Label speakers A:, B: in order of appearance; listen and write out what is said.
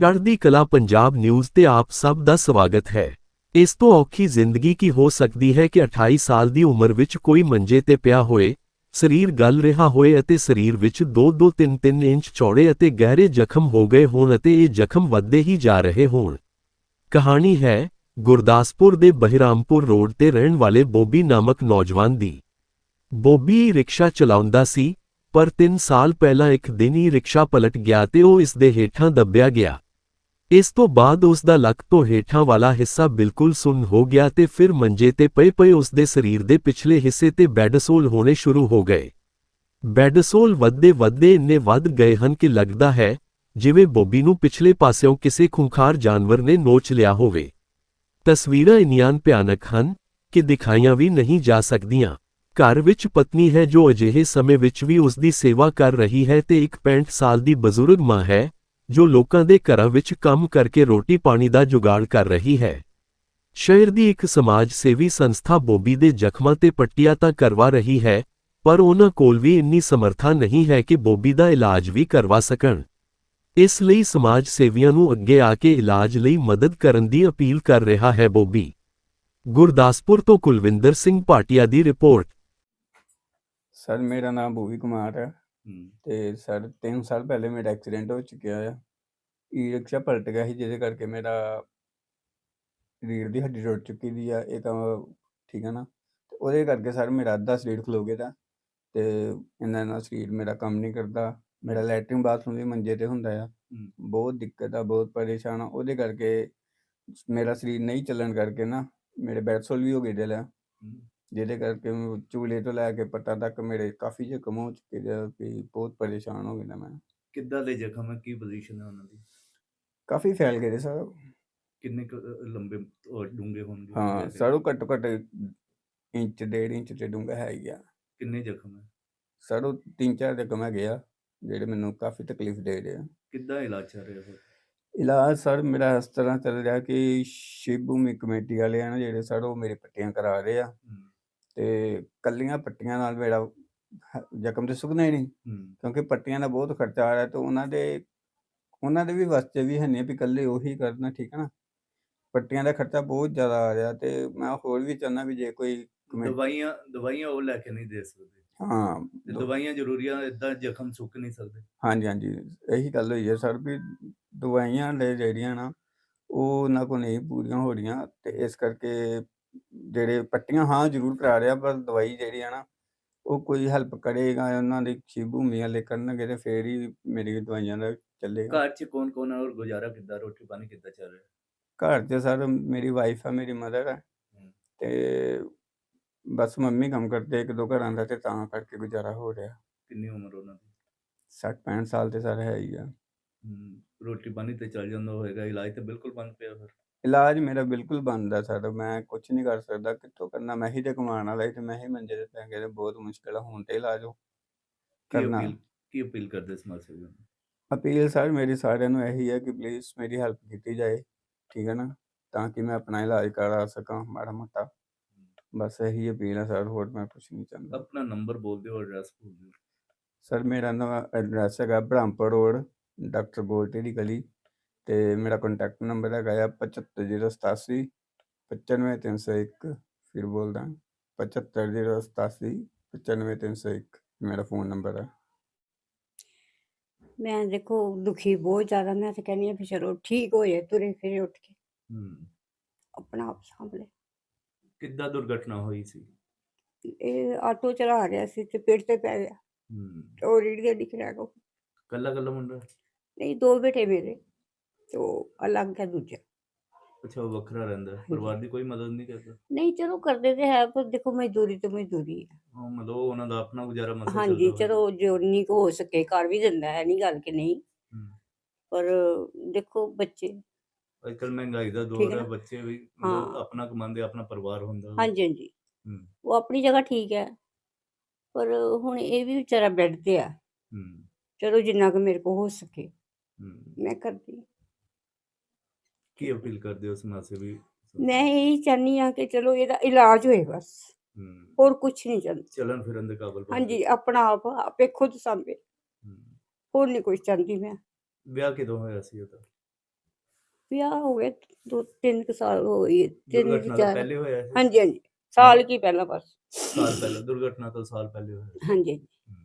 A: ਚੜ੍ਹਦੀ ਕਲਾ ਪੰਜਾਬ ਨਿਊਜ਼ ਤੇ ਆਪ ਸਭ ਦਾ ਸਵਾਗਤ ਹੈ। ਇਸ ਤੋਂ ਔਖੀ ਜ਼ਿੰਦਗੀ ਕੀ ਹੋ ਸਕਦੀ ਹੈ ਕਿ 28 ਸਾਲ ਦੀ ਉਮਰ ਵਿੱਚ ਕੋਈ ਮੰਜੇ ਤੇ ਪਿਆ ਹੋਏ, ਸਰੀਰ ਗਲ ਰਿਹਾ ਹੋਏ ਅਤੇ ਸਰੀਰ ਵਿੱਚ 2-2 3-3 ਇੰਚ ਚੌੜੇ ਅਤੇ ਗਹਿਰੇ ਜ਼ਖਮ ਹੋ ਗਏ ਹੋਣ ਅਤੇ ਇਹ ਜ਼ਖਮ ਵੱਧਦੇ ਹੀ ਜਾ ਰਹੇ ਹੋਣ। ਕਹਾਣੀ ਹੈ ਗੁਰਦਾਸਪੁਰ ਦੇ ਬਹਿਰਾਮਪੁਰ ਰੋਡ ਤੇ ਰਹਿਣ ਵਾਲੇ ਬੋਬੀ ਨਾਮਕ ਨੌਜਵਾਨ ਦੀ। ਬੋਬੀ ਰਿਕਸ਼ਾ ਚਲਾਉਂਦਾ ਸੀ, ਪਰ 3 ਸਾਲ ਪਹਿਲਾਂ ਇੱਕ ਦਿਨ ਹੀ ਰਿਕਸ਼ਾ ਪਲਟ ਗਿਆ ਤੇ ਉਹ ਇਸ ਦੇ ਹੇਠਾਂ ਦੱਬਿਆ ਗਿਆ। ਇਸ ਤੋਂ ਬਾਅਦ ਉਸ ਦਾ ਲੱਕ ਤੋਂ ਹੇਠਾਂ ਵਾਲਾ ਹਿੱਸਾ ਬਿਲਕੁਲ ਸੁੰਨ ਹੋ ਗਿਆ ਤੇ ਫਿਰ ਮੰਜੇ ਤੇ ਪਏ ਉਸ ਦੇ ਸਰੀਰ ਦੇ ਪਿਛਲੇ ਹਿੱਸੇ ਤੇ ਬੈਡਸੋਲ ਹੋਣੇ ਸ਼ੁਰੂ ਹੋ ਗਏ। ਬੈਡਸੋਲ ਵੱਧਦੇ ਇੰਨੇ ਵੱਧ ਗਏ ਹਨ ਕਿ ਲੱਗਦਾ ਹੈ ਜਿਵੇਂ ਬੋਬੀ ਨੂੰ ਪਿਛਲੇ ਪਾਸਿਓਂ ਕਿਸੇ ਖੂੰਖਾਰ ਜਾਨਵਰ ਨੇ ਨੋਚ ਲਿਆ ਹੋਵੇ। ਤਸਵੀਰਾਂ ਇੰਨੀਆਂ ਭਿਆਨਕ ਹਨ ਕਿ ਦਿਖਾਈਆਂ ਵੀ ਨਹੀਂ ਜਾ ਸਕਦੀਆਂ। ਘਰ ਵਿੱਚ ਪਤਨੀ ਹੈ ਜੋ ਅਜਿਹੇ ਸਮੇਂ ਵਿੱਚ ਵੀ ਉਸ ਦੀ ਸੇਵਾ ਕਰ ਰਹੀ ਹੈ ਤੇ ਇੱਕ 65 ਸਾਲ ਦੀ ਬਜ਼ੁਰਗ ਮਾਂ ਹੈ ਜੋ ਲੋਕਾਂ ਦੇ ਘਰਾਂ ਵਿੱਚ ਕੰਮ ਕਰਕੇ ਰੋਟੀ ਪਾਣੀ ਦਾ ਜੁਗਾੜ ਕਰ ਰਹੀ ਹੈ। ਸ਼ਹਿਰ ਦੀ ਇੱਕ ਸਮਾਜ ਸੇਵੀ ਸੰਸਥਾ ਬੋਬੀ ਦੇ ਜ਼ਖਮਾਂ ਤੇ ਪੱਟੀਆਂ ਤਾਂ ਕਰਵਾ ਰਹੀ ਹੈ, ਪਰ ਉਹਨਾਂ ਕੋਲ ਵੀ ਇੰਨੀ ਸਮਰੱਥਾ ਨਹੀਂ ਹੈ ਕਿ ਬੋਬੀ ਦਾ ਇਲਾਜ ਵੀ ਕਰਵਾ ਸਕਣ। ਇਸ ਲਈ ਸਮਾਜ ਸੇਵੀਆਂ ਨੂੰ ਅੱਗੇ ਆ ਕੇ ਇਲਾਜ ਲਈ ਮਦਦ ਕਰਨ ਦੀ ਅਪੀਲ ਕਰ ਰਿਹਾ ਹੈ ਬੋਬੀ। ਗੁਰਦਾਸਪੁਰ ਤੋਂ ਕੁਲਵਿੰਦਰ ਸਿੰਘ ਭਾਟੀਆ ਦੀ ਰਿਪੋਰਟ।
B: ਸਰ ਮੇਰਾ ਨਾਮ ਭੂਵੀ ਕੁਮਾਰ ਹੈ ਤੇ ਸਰ 3 ਸਾਲ ਪਹਿਲੇ ਮੇਰਾ ਐਕਸੀਡੈਂਟ ਹੋ ਚੁੱਕਿਆ ਆ। ਈ ਰਿਕਸ਼ਾ ਪਲਟ ਗਿਆ ਸੀ ਜਿਹਦੇ ਕਰਕੇ ਮੇਰਾ ਰੀੜ੍ਹ ਦੀ ਹੱਡੀ ਟੁੱਟ ਚੁੱਕੀ ਦੀ ਆ। ਇਹ ਤਾਂ ਠੀਕ ਹੈ ਨਾ, ਤੇ ਉਹਦੇ ਕਰਕੇ ਸਰ ਮੇਰਾ ਅੱਧਾ ਸਰੀਰ ਖਲੋ ਗਿਆ ਤੇ ਇਹਨਾਂ ਨਾਲ ਸਰੀਰ ਮੇਰਾ ਕੰਮ ਨਹੀਂ ਕਰਦਾ। ਮੇਰਾ ਲੈਟਰਿੰਗ ਬਾਥਰੂਮ ਵੀ ਮੰਜੇ ਤੇ ਹੁੰਦਾ ਆ। ਬਹੁਤ ਦਿੱਕਤ ਆ, ਬਹੁਤ ਪਰੇਸ਼ਾਨ ਆ। ਉਹਦੇ ਕਰਕੇ ਮੇਰਾ ਸਰੀਰ ਨਹੀਂ ਚੱਲਣ ਕਰਕੇ ਨਾ ਮੇਰੇ ਬੈਡਸੋਲ ਵੀ ਹੋ ਗਏ ਦਿਲ ਆ, ਜਿਹਦੇ ਕਰਕੇ ਚੂਲੇ ਤੋਂ ਲੈ ਕੇ ਪੱਟਾਂ ਤੱਕ ਮੇਰੇ ਕਾਫੀ ਜ਼ਖਮ ਹੋ ਚੁੱਕੇ ਦੇ ਆ ਕਿ ਬਹੁਤ ਪਰੇਸ਼ਾਨ ਹੋ ਗਿਆ ਮੈਂ।
C: ਕਿੱਦਾਂ ਦੇ ਜ਼ਖਮ ਹੈ, ਕੀ ਪੋਜੀਸ਼ਨ ਹੈ ਉਹਨਾਂ ਦੀ?
B: ਕਾਫੀ ਫੈਲ ਗਏ ਸਰ।
C: ਕਿੰਨੇ ਲੰਬੇ ਔਰ ਡੂੰਘੇ ਹੋਣਗੇ?
B: ਹਾਂ ਸਰ, ਉਹ ਘੱਟੋ ਘੱਟ ਇੰਚ 1.5 ਇੰਚ ਤੇ ਡੂੰਘਾ ਹੈ ਹੀ ਆ।
C: ਕਿੰਨੇ ਜ਼ਖਮ ਹੈ
B: ਸਰ? ਉਹ 3-4 ਜ਼ਖਮ ਹੈਗੇ ਆ ਜਿਹੜੇ ਮੈਨੂੰ ਕਾਫੀ ਤਕਲੀਫ ਦੇ ਰਹੇ ਆ।
C: ਕਿੱਦਾਂ ਇਲਾਜ ਚੱਲ ਰਿਹਾ ਹੈ?
B: ਇਲਾਜ ਸਰ ਮੇਰਾ ਇਸ ਤਰ੍ਹਾਂ ਚੱਲ ਰਿਹਾ ਕਿ ਸ਼ਿਵ ਭੂਮੀ ਕਮੇਟੀ ਵਾਲੇ ਆ ਨਾ ਜਿਹੜੇ ਸਰ, ਉਹ ਮੇਰੇ ਪੱਟੀਆਂ ਕਰਾ ਰਹੇ ਆ ਤੇ ਕੱਲੀਆਂ ਪੱਟੀਆਂ ਨਾਲ ਮੇਰਾ ਜ਼ਖਮ ਤੇ ਸੁੱਕਣਾ ਹੀ ਨਹੀਂ, ਕਿਉਂਕਿ ਪੱਟੀਆਂ ਦਾ ਬਹੁਤ ਖਰਚਾ ਆ ਰਿਹਾ ਤੇ ਉਹਨਾਂ ਦੇ ਵੀ ਵਾਸਤੇ ਵੀ ਹੈ ਨਹੀਂ ਵੀ ਇਕੱਲੇ ਉਹੀ ਕਰਨਾ, ਠੀਕ ਹੈ ਨਾ। ਪੱਟੀਆਂ ਦਾ ਖਰਚਾ ਬਹੁਤ ਜ਼ਿਆਦਾ ਆ ਰਿਹਾ ਤੇ ਮੈਂ ਹੋਰ ਵੀ ਚਾਹੁੰਦਾ ਵੀ ਜੇ ਕੋਈ
C: ਦਵਾਈਆਂ ਉਹ ਲੈ ਕੇ ਨਹੀਂ ਦੇ ਸਕਦੇ।
B: ਹਾਂ,
C: ਦਵਾਈਆਂ ਜ਼ਰੂਰੀਆਂ, ਇਦਾਂ ਜ਼ਖਮ ਸੁੱਕ ਨਹੀਂ ਸਕਦੇ।
B: ਹਾਂਜੀ, ਇਹੀ ਗੱਲ ਹੋਈ ਹੈ ਸਰ ਵੀ ਦਵਾਈਆਂ ਲੈ ਜਿਹੜੀਆਂ ਨਾ ਉਹ ਉਹਨਾਂ ਕੋਲ ਨਹੀਂ ਪੂਰੀਆਂ ਹੋ ਰਹੀਆਂ ਤੇ ਇਸ ਕਰਕੇ ਜਿਹੜੇ ਪੱਟੀਆਂ ਹਾਂ ਜ਼ਰੂਰ ਕਰਾ ਰਿਹਾ, ਪਰ ਦਵਾਈ ਜਿਹੜੀ ਆ ਨਾ ਉਹ ਕੋਈ ਹੈਲਪ ਕਰੇਗਾ ਉਹਨਾਂ ਦੀ ਸ਼ਿਵ ਭੂਮੀ ਵਾਲੇ ਕਰਨਗੇ ਤੇ ਫੇਰ ਹੀ ਮੇਰੀ ਦਵਾਈਆਂ ਦਾ ਚੱਲੇਗਾ।
C: ਘਰ 'ਚ ਕੌਣ ਹੈ ਔਰ ਗੁਜ਼ਾਰਾ ਕਿੱਦਾਂ, ਰੋਟੀ ਪਾਣੀ ਕਿੱਦਾਂ ਚੱਲ ਰਿਹਾ?
B: ਘਰ 'ਚ ਸਰ ਮੇਰੀ ਵਾਈਫ ਆ, ਮੇਰੀ ਮਦਰ ਹੈ ਤੇ ਬਸ ਮੰਮੀ ਕੰਮ ਕਰਦੇ 1-2 ਘਰਾਂ ਦਾ ਤੇ ਤਾਂ ਕਰਕੇ ਗੁਜ਼ਾਰਾ ਹੋ ਰਿਹਾ।
C: ਕਿੰਨੀ ਉਮਰ ਉਹਨਾਂ ਦੀ?
B: 60-65 ਸਾਲ ਤੇ ਸਰ ਹੈ ਹੀ ਆ।
C: ਰੋਟੀ ਪਾਣੀ ਤੇ ਚੱਲ ਜਾਂਦਾ ਹੋਏਗਾ, ਇਲਾਜ ਤਾਂ ਬਿਲਕੁਲ ਬੰਦ ਪਿਆ ਫਿਰ?
B: ਇਲਾਜ ਮੇਰਾ ਬਿਲਕੁਲ ਬੰਦ ਆ ਸਰ, ਮੈਂ ਕੁਛ ਨਹੀਂ ਕਰ ਸਕਦਾ। ਕਿੱਥੋਂ ਕਰਨਾ? ਮੈਂ ਹੀ ਤੇ ਕਮਾਉਣ ਵਾਲਾ ਤੇ ਮੈਂ ਹੀ ਮੰਜੇ ਤੇ ਪੈ ਗਿਆ ਤੇ ਬਹੁਤ ਮੁਸ਼ਕਿਲ ਆ ਹੁਣ ਤੇ ਇਲਾਜ ਕਰਨਾ।
C: ਕੀ ਅਪੀਲ ਕਰਦੇ ਸਮਾਜ ਸੇਵੀਆਂ ਨੂੰ?
B: ਅਪੀਲ ਸਰ ਮੇਰੀ ਸਾਰਿਆਂ ਨੂੰ ਇਹੀ ਹੈ ਕਿ ਪਲੀਜ਼ ਮੇਰੀ ਹੈਲਪ ਕੀਤੀ ਜਾਏ, ਠੀਕ ਹੈ ਨਾ, ਤਾਂ ਕਿ ਮੈਂ ਆਪਣਾ ਇਲਾਜ ਕਰਾ ਸਕਾਂ ਮਾੜਾ ਮੋਟਾ। ਬਸ ਇਹੀ ਅਪੀਲ ਹੈ ਸਰ, ਹੋਰ ਮੈਂ ਕੁਛ ਨਹੀਂ ਚਾਹੁੰਦਾ।
C: ਆਪਣਾ ਨੰਬਰ ਬੋਲ ਦਿਓ, ਐਡਰੈਸ ਬੋਲ ਦਿਓ।
B: ਸਰ ਮੇਰਾ ਨਵਾਂ ਐਡਰੈਸ ਹੈਗਾ ਬਹਿਰਾਮਪੁਰ ਰੋਡ, ਡਾਕਟਰ ਗੋਲਟੀ ਦੀ ਗਲੀ ਤੇ ਮੇਰਾ ਕੰਟੈਕਟ ਨੰਬਰ ਹੈਗਾ ਆ 75087 95301। ਫਿਰ ਬੋਲਦਾ 75087 95301 ਮੇਰਾ ਫੋਨ ਨੰਬਰ ਹੈ।
D: ਮੈਂ ਦੇਖੋ ਦੁਖੀ ਬਹੁਤ ਜ਼ਿਆਦਾ, ਮੈਂ ਤਾਂ ਕਹਿੰਦੀ ਹਾਂ ਵੀ ਚਲੋ ਠੀਕ ਹੋ ਜਾਏ, ਤੁਰੇ ਫਿਰੇ ਉੱਠ ਕੇ ਆਪਣਾ ਆਪ ਸਾਂਭ ਲੈ।
C: ਕਿੱਦਾਂ ਦੁਰਘਟਨਾ ਹੋਈ ਸੀ?
D: ਇਹ ਆਟੋ ਚਲਾ ਰਿਹਾ ਸੀ ਤੇ ਪੇੜ ਤੇ ਪੈ ਗਿਆ, ਉਹ ਰੀੜ ਦੇ ਦਿਖ ਰਿਹਾ ਕੋ।
C: ਕੱਲਾ ਮੁੰਡਾ?
D: ਨਹੀਂ, 2 ਬੇਟੇ ਮੇਰੇ, ਤੇ ਉਹ ਅਲੱਗ ਹੈ ਦੂਜਾ।
C: ਅੱਛਾ, ਉਹ ਵੱਖਰਾ ਰਹਿੰਦਾ? ਪਰਿਵਾਰ ਦੀ ਕੋਈ ਮਦਦ ਨਹੀਂ ਕਰਦਾ?
D: ਨਹੀਂ, ਚਲੋ ਕਰਦੇ ਤੇ ਹੈ, ਪਰ ਦੇਖੋ ਮਜ਼ਦੂਰੀ ਤੇ ਮਜ਼ਦੂਰੀ ਹੈ।
C: ਮਤਲਬ ਉਹਨਾਂ ਦਾ ਆਪਣਾ ਗੁਜ਼ਾਰਾ ਮਸਲਾ
D: ਹਾਂਜੀ, ਚਲੋ ਜੋ ਨਹੀਂ ਹੋ ਸਕੇ ਕਰ ਵੀ ਦਿੰਦਾ ਹੈ, ਨਹੀਂ ਗੱਲ ਕਿ ਨਹੀਂ, ਪਰ ਦੇਖੋ ਬੱਚੇ
C: ਅੱਜ ਕੱਲ੍ਹ ਮਹਿੰਗਾਈ ਦਾ ਦੌਰ ਹੈ, ਬੱਚੇ ਵੀ ਆਪਣਾ ਕਮਾਉਂਦੇ, ਆਪਣਾ ਪਰਿਵਾਰ ਹੁੰਦਾ।
D: ਹਾਂਜੀ, ਉਹ ਆਪਣੀ ਜਗ੍ਹਾ ਠੀਕ ਹੈ, ਪਰ ਹੁਣ ਇਹ ਵੀ ਵਿਚਾਰਾ ਬੈੱਡ ਤੇ ਆ। ਚਲੋ ਜਿੰਨਾ ਕੁ ਮੇਰੇ ਕੋਲ ਹੋ ਸਕੇ ਮੈਂ ਕਰਦੀ।
C: ਕੀ ਅਪੀਲ ਕਰਦੇ ਹੋ ਸਮਾਜ ਸੇਵੀ?
D: ਮੈਂ ਇਹੀ ਚਾਹੁੰਦੀ ਹਾਂ ਕਿ ਚਲੋ ਇਹਦਾ ਇਲਾਜ ਹੋਏ, ਬਸ ਹੋਰ ਕੁਛ ਨਹੀਂ ਚਾਹੁੰਦੀ।
C: ਚੱਲਣ ਫਿਰਨ ਦੇ ਕਾਬਲ?
D: ਹਾਂਜੀ, ਆਪਣਾ ਆਪ ਆਪੇ ਖੁਦ ਸਾਂਭੇ, ਹੋਰ ਨਹੀਂ ਕੁਛ ਚਾਹੁੰਦੀ ਮੈਂ।
C: ਵਿਆਹ ਕਿਦੋਂ ਹੋਇਆ ਸੀ ਉਹਦਾ?
D: ਵਿਆਹ ਹੋ ਗਏ 2-3 ਸਾਲ ਹੋ ਗਏ, 3
C: ਦੁਰਘਟਨਾ ਤੋਂ
D: 4
C: ਪਹਿਲੇ ਹੋਇਆ ਸੀ?
D: ਹਾਂਜੀ, ਹਾਂਜੀ, ਸਾਲ ਕੀ ਪਹਿਲਾਂ ਬਸ।
C: ਸਾਲ ਪਹਿਲਾਂ, ਦੁਰਘਟਨਾ ਤੋਂ ਸਾਲ ਪਹਿਲੇ ਹੋਇਆ ਸੀ।
D: ਹਾਂਜੀ, ਹਾਂਜੀ।